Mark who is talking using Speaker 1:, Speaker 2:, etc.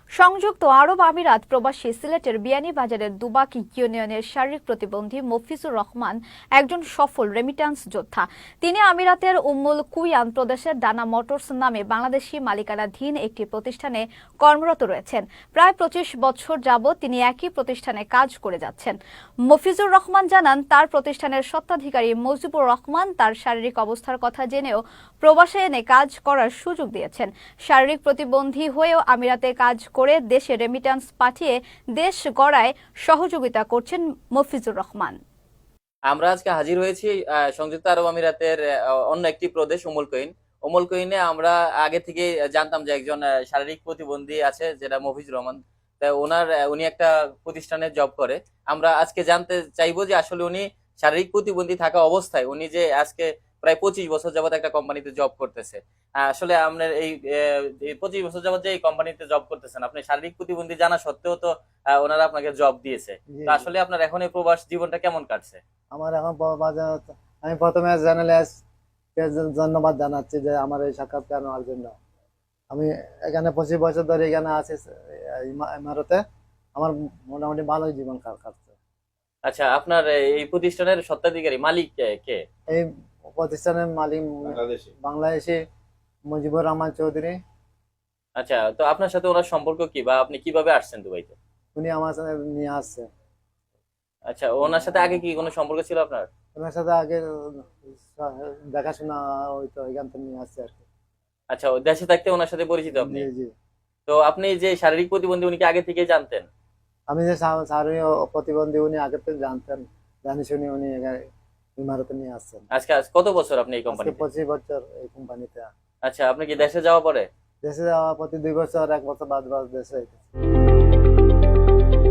Speaker 1: সংযুক্ত আরব আমিরাত প্রবাসী সিলেটের বিয়ানীবাজারের দুবাক ইউনিয়নের শারীরিক প্রতিবন্ধী মফিজুর রহমান একজন সফল রেমিট্যান্স যোদ্ধা। তিনি আমিরাতের উম্মুল কুইয়ান প্রদেশের ডানা মোটরস নামে বাংলাদেশি মালিকানাধীন একটি প্রতিষ্ঠানে কর্মরত রয়েছেন। প্রায় 25 বছর যাবৎ তিনি একই প্রতিষ্ঠানে কাজ করে যাচ্ছেন। মফিজুর রহমান জানান, তার প্রতিষ্ঠানের স্বত্বাধিকারী মুজিবুর রহমান তার শারীরিক অবস্থার কথা জেনেও প্রবাসে এনে কাজ করার সুযোগ দিয়েছেন। শারীরিক প্রতিবন্ধী হয়েও আমিরাতে কাজ করে দেশে রেমিট্যান্স পাঠিয়ে দেশ গড়ায় সহযোগিতা করছেন মফিজুর রহমান।
Speaker 2: আমরা আজকে হাজির হয়েছি সংযুক্ত আরব আমিরাতের অন্য একটি প্রদেশ উমুল কুইনে। আমরা আগে থেকে জানতাম যে একজন শারীরিক প্রতিবন্ধী আছে, যেটা মফিজুর রহমান। উনি একটা প্রতিষ্ঠানে জব করে। আমরা আজকে জানতে চাইবো যে আসলে উনি শারীরিক প্রতিবন্ধী থাকা অবস্থায় উনি যে আজকে প্রায় 25 বছর যাবত একটা কোম্পানিতে জব করতেছে। আসলে আপনার এই 25 বছর যাবত যে এই কোম্পানিতে জব করতেছেন, আপনি শারীরিক প্রতিবন্ধী জানা সত্ত্বেও তো ওনারা আপনাকে জব দিয়েছে। তো আসলে আপনার এখন এই প্রবাস জীবনটা কেমন কাটছে?
Speaker 3: আমার এখন আমি প্রথমে জার্নালিস্টকে ধন্যবাদ জানাচ্ছি যে আমার এই সাক্ষাৎকার নেওয়ার জন্য। আমি এখানে 25 বছর ধরে এখানে আছি ইমারতে। আমার মোটামুটি ভালোই জীবন কাটছে।
Speaker 2: আচ্ছা, আপনার এই প্রতিষ্ঠানের স্বত্বাধিকারী মালিক কে?
Speaker 3: এই প্রতিষ্ঠানের মালিক বাংলাদেশি মুজিবুর রহমান চৌধুরী।
Speaker 2: আচ্ছা, তো আপনার সাথে ওনার সম্পর্ক কি, বা আপনি কিভাবে আসছেন দুবাইতে?
Speaker 3: উনি আমার সাথে নিয়ে আসছে।
Speaker 2: আচ্ছা, ওনার সাথে আগে কি কোনো সম্পর্ক ছিল আপনার?
Speaker 3: ওনার সাথে আগে দেখাশোনা হইতো, এখান থেকে নিয়ে আসছে আর কি।
Speaker 2: আচ্ছা, ও দেশে থাকতে ওনার সাথে পরিচিত আপনি?
Speaker 3: জি জি।
Speaker 2: তো আপনি যে শারীরিক প্রতিবন্ধী উনি কি আগে থেকে জানতেন?
Speaker 3: আমি যে শারীরিক প্রতিবন্ধী উনি আগে থেকে জানতেন, জানি শুনি উনি ইমারতে নিয়ে আসছেন।
Speaker 2: আজ কত বছর আপনি এই
Speaker 3: আজকে
Speaker 2: কোম্পানিতে?
Speaker 3: 25 বছর এই কোম্পানিতে।
Speaker 2: আচ্ছা, আপনি কি দেশে যাওয়া পরে?
Speaker 3: দেশে যাওয়া প্রতি 2 বছর 1 বছর বাদ বাদ দেশে